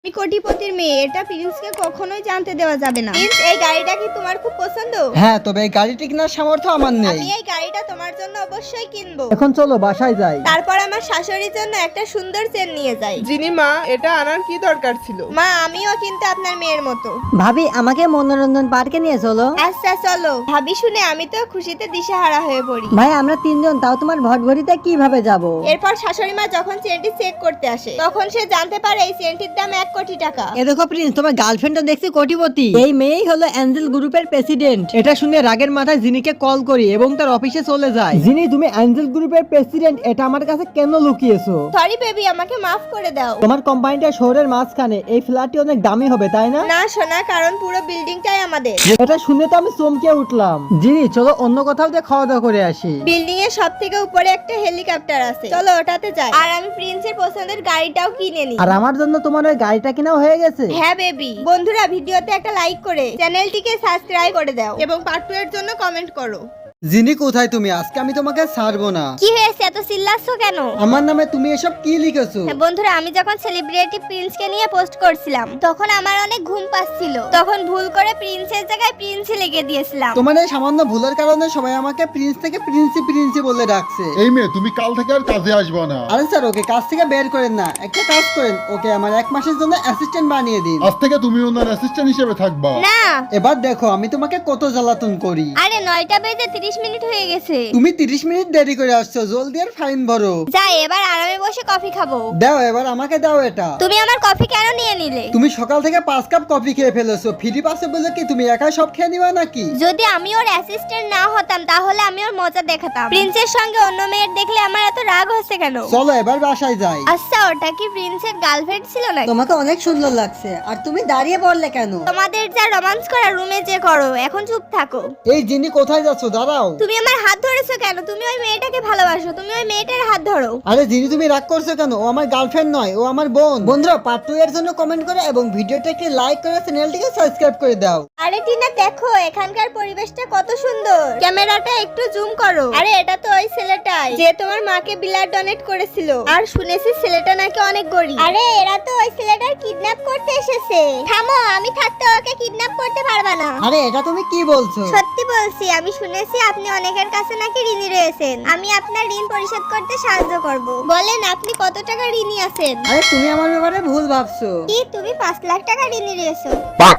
আমি কোটিপতির মেয়ে, এটা প্রিন্সকে কখনোই জানতে দেওয়া যাবে না। প্রিন্স, এই গাড়িটা কি তোমার খুব পছন্দ? হ্যাঁ, তবে এই গাড়িটি কেনার সামর্থ্য আমার নেই। আমি এই গাড়িটা তোমার জন্য অবশ্যই কিনবো। এখন চলো বাসায় যাই। তারপর আমার শাশুড়ির জন্য একটা সুন্দর চেন নিয়ে যাই। জিনি মা, এটা আনার কি দরকার ছিল? মা, আমিও কিন্তু আপনার মেয়ের মতো। ভাবি, আমাকে মনোরঞ্জন পার্কে নিয়ে চলো। আচ্ছা চলো। ভাবি শুনে আমি তো খুশিতে দিশেহারা হয়ে পড়ি। ভাই, আমরা তিনজন, তাও তোমার ভটভটিতে কিভাবে যাব? এরপর শাশুড়ি মা যখন চেনটি চেক করতে আসে, তখন সে জানতে পারে এই চেনটির দাম 1 কোটি টাকা। এ দেখো প্রিন্স, তোমার গার্লফ্রেন্ডটা দেখছি কোটিপতি। এই মেয়েই হলো অ্যাঞ্জেল গ্রুপের প্রেসিডেন্ট। এটা শুনে রাগের মাথায় জিনিকে কল করি এবং তার অফিসে চলে যায়। জিনি, তুমি অ্যাঞ্জেল গ্রুপের প্রেসিডেন্ট, এটা আমার কাছে কেন লুকিয়েছো? সরি বেবি, আমাকে মাফ করে দাও। তোমার কোম্পানিটা শহরের মাঝখানে, এই ফ্ল্যাটটি অনেক দামি হবে তাই না? না সোনা, কারণ পুরো বিল্ডিংটাই আমাদের। এটা শুনে তো আমি চমকে উঠলাম। জিনি, চলো অন্য কোথাও দিয়ে খাওয়া দাওয়া করে আসি। বিল্ডিং এর সব থেকে উপরে একটা হেলিকপ্টার আছে, চলো ওটাতে যাই। আর আমি প্রিন্সের পছন্দের গাড়িটাও কিনে নিই। আর আমার জন্য তোমার ওই গাড়িটা কেনাও হয়ে গেছে। হ্যাঁ বেবি। বন্ধুরা, ভিডিওতে একটা লাইক করে চ্যানেলটিকে সাবস্ক্রাইব করে দাও এবং পার্ট 2 এর জন্য কমেন্ট করো। জিনি, কোথায় তুমি? আজকে আমি তোমাকে ছাড়বো না। কি হয়েছে, এত চিল্লাচ্ছ কেন? আমার নামে তুমি এসব কি লিখেছো? হ্যাঁ বন্ধুরা, আমি যখন সেলিব্রিটি প্রিন্সকে নিয়ে পোস্ট করছিলাম, তখন আমার অনেক ঘুম পাচ্ছিল। তখন ভুল করে প্রিন্সের জায়গায় প্রিন্সি লিখে দিয়েছিলাম। তোমার এই সামান্য ভুলের কারণে সবাই আমাকে প্রিন্স থেকে প্রিন্সি প্রিন্সি বলে ডাকছে। এই মেয়ে, তুমি কাল থেকে আর কাজে আসবে না। আরে স্যার, ওকে কাজ থেকে বের করেন না, একটা কাজ করেন, ওকে আমার 1 মাসের জন্য অ্যাসিস্ট্যান্ট বানিয়ে দিন। আজ থেকে তুমি ওনার অ্যাসিস্ট্যান্ট হিসেবে থাকবা। না। এবার দেখো আমি তোমাকে কত জ্বালাতন করি। আরে 9টা বেজে 30 মিনিট হয়ে গেছে। তুমি 30 মিনিট দেরি করে আসছো, জলদি আর ফাইন ভরো। যাই, এবার আরামে বসে কফি খাবো। দাও, এবার আমাকে দাও এটা। তুমি আমার কফি কেন নিয়ে নিলে? তুমি সকাল থেকে 5 কাপ কফি খেয়ে ফেলেছো, ফ্রি পাসে বলে কি তুমি একাই সব খেয়ে নিবা নাকি? যদি আমি ওর অ্যাসিস্ট্যান্ট না হতাম, তাহলে আমি ওর মজা দেখাতাম। প্রিন্সের সঙ্গে অন্য মেয়ের দেখলে আমার এত রাগ হচ্ছে কেন? চলো এবার বাসায় যাই। আচ্ছা, ওটা কি প্রিন্সের গার্লফ্রেন্ড ছিল নাকি? তোমাকে অনেক সুন্দর লাগছে, আর তুমি দাঁড়িয়ে পড়লে কেন? তোমাদের যা রোমান্স করা রুমে যে করো, এখন চুপ থাকো। এই জিনি, কোথায় যাচ্ছ? দাঁড়াও। তুমি আমার হাত ধরেছো কেন? তুমি ওই মেয়েটাকে ভালোবাসো, তুমি ওই মেয়েটার হাত ধরো। আরে জিনি, তুমি রাগ করছো কেন? ও আমার গার্লফ্রেন্ড নয়, ও আমার বোন। বন্ধুরা, পার্ট 2 এর জন্য কমেন্ট করো এবং ভিডিওটাকে লাইক করে চ্যানেলটিকে সাবস্ক্রাইব করে দাও। আরে টিনা, দেখো এখানকার পরিবেশটা কত সুন্দর। ক্যামেরাটা একটু জুম করো। আরে এটা তো ওই ছেলেটাই যে তোমার মাকে ব্লাড ডোনেট করেছিল। আর শুনেছি ছেলেটা নাকি অনেক গরিব। আরে এরা তো ওই ছেলেটার কিডন্যাপ করতে এসেছে। থামো, আমি থাকতে ওকে কিডন্যাপ করতে পারবা না। আরে এটা তুমি কি বলছো? সত্যি বলছি, আমি শুনেছি আপনি অনেকের কাছে নাকি ঋণী রয়েছেন। আমি আপনার ঋণ পরিশোধ করতে সাহায্য করব। বলেন আপনি কত টাকা ঋণী আছেন? আরে তুমি আমার ব্যাপারে ভুল ভাবছো। কি, তুমি 5 লাখ টাকা ঋণী রয়েছো?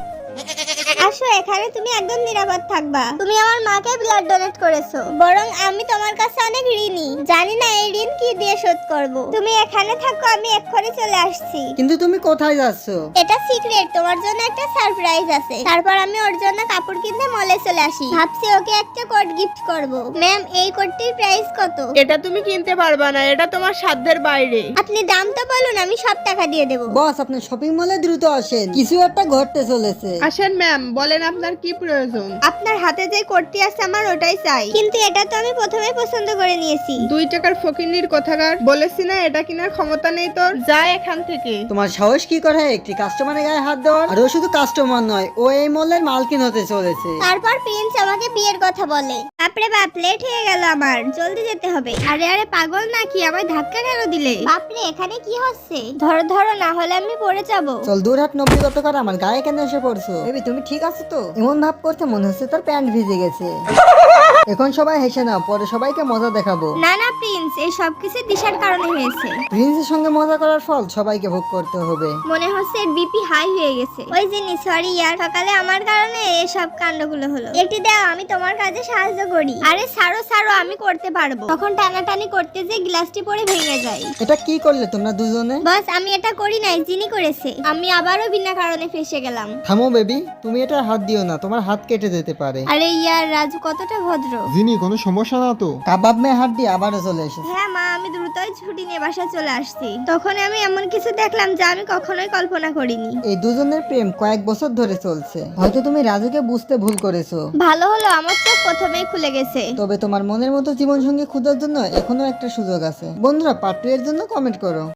আসো, এখানে তুমি একদম নিরাপদ থাকবা। তুমি আমার মাকে ব্লাড ডোনেট করেছো, বরং আমি তোমার কাছে অনেক ঋণী। জানি না এই ঋণ কি দিয়ে শোধ করব। তুমি এখানে থাকো, আমি এক্ষুনি চলে আসছি। কিন্তু তুমি কোথায় যাচ্ছো? এটা সিক্রেট, তোমার জন্য একটা সারপ্রাইজ আছে। তারপর আমি ওর জন্য কাপড় কিনতে মলে চলে আসি। ভাবছি ওকে একটা কোট গিফট করব। ম্যাম, এই কোটটির প্রাইস কত? এটা তুমি কিনতে পারবা না, এটা তোমার সাধ্যের বাইরে। আপনি দাম তো বলুন, আমি সব টাকা দিয়ে দেব। বস, আপনি শপিং মলে দ্রুত আসেন, কিছু একটা ঘটতে চলেছে। আসেন ম্যাম, বলেন আপনার কি প্রয়োজন? আপনার হাতে যে কোটটি আছে আমার ওটাই চাই। কিন্তু এটা তো আমি প্রথমেই পছন্দ করে নিয়েছি। 2 টাকার ফকিন্নির কথাকার, বলেছি না এটা কেনার ক্ষমতা নেই তোর, যা এখান থেকে। তোমার সাহস কি করে একটি কাস্টমারের গায়ে হাত দেওয়ার? আর ও শুধু কাস্টমার নয়, ও এই মলের মালকিন হতে চলেছে। তারপর প্রিন্স আমাকে বিয়ের কথা বলে। বাপরে বাপ, লেট হয়ে গেল আমার, জলদি যেতে হবে। আরে আরে পাগল নাকি, আমায় ধাক্কা কেন দিলে? বাপরে, এখানে কি হচ্ছে? ধরো ধরো, না হলে আমি পড়ে যাব। চল দূর হাট, 90 কত করে? আমার গায়ে কেন এসে পড়ছো? বেবি, তুমি ঠিক আছো তো? এমন ভাব করতে মনে হচ্ছে তোর প্যান্ট ভিজে গেছে। এখন সবাই হেসে নাও, পরে সবাইকে মজা দেখাবো। না না প্রিন্স, এই সব কিছু দিশার কারণে হয়েছে। প্রিন্সের সঙ্গে মজা করার ফল সবাইকে ভোগ করতে হবে। মনে হচ্ছে এর বিপি হাই হয়ে গেছে। ওই জিনিস, সরি ইয়ার, সকালে আমার কারণে এসব কাণ্ডগুলো হলো। একটি দাও, আমি তোমার কাজে সাহায্য করি। আরে ছাড়ো ছাড়ো, আমি করতে পারবো। তখন টানাটানি করতে যে গ্লাসটি পড়ে ভেঙে যায়। এটা কি করলে তোমরা দুজনে? বস, আমি এটা করি নাই, যিনি করেছে। আমি আবারও বিনা কারণে ফেসে গেলাম। থামো বেবি, তুমি এটা হাত দিও না, তোমার হাত কেটে যেতে পারে। আরে ইয়ার, রাজু কতটা ভদ্র। জিনি, কোনো সমস্যা না তো? কাবাব মে হাত দিয়ে আবারও চলে এসেছে। হ্যাঁ মা, আমি দ্রুতই ছুটি নিয়ে বাসায় চলে আসছি। তখন আমি এমন কিছু দেখলাম যা আমি কখনোই কল্পনা করিনি। এই দুজনের প্রেম কয়েক বছর ধরে চলছে। হয়তো তুমি রাজুকে বুঝতে ভুল করেছো। ভালো হলো, আমার চোখ প্রথমেই খুলে গেছে। তবে তোমার মনের মতো জীবন সঙ্গী খোঁজার জন্য এখনো একটা সুযোগ আছে। বন্ধুরা, পার্ট 2 এর জন্য কমেন্ট করো।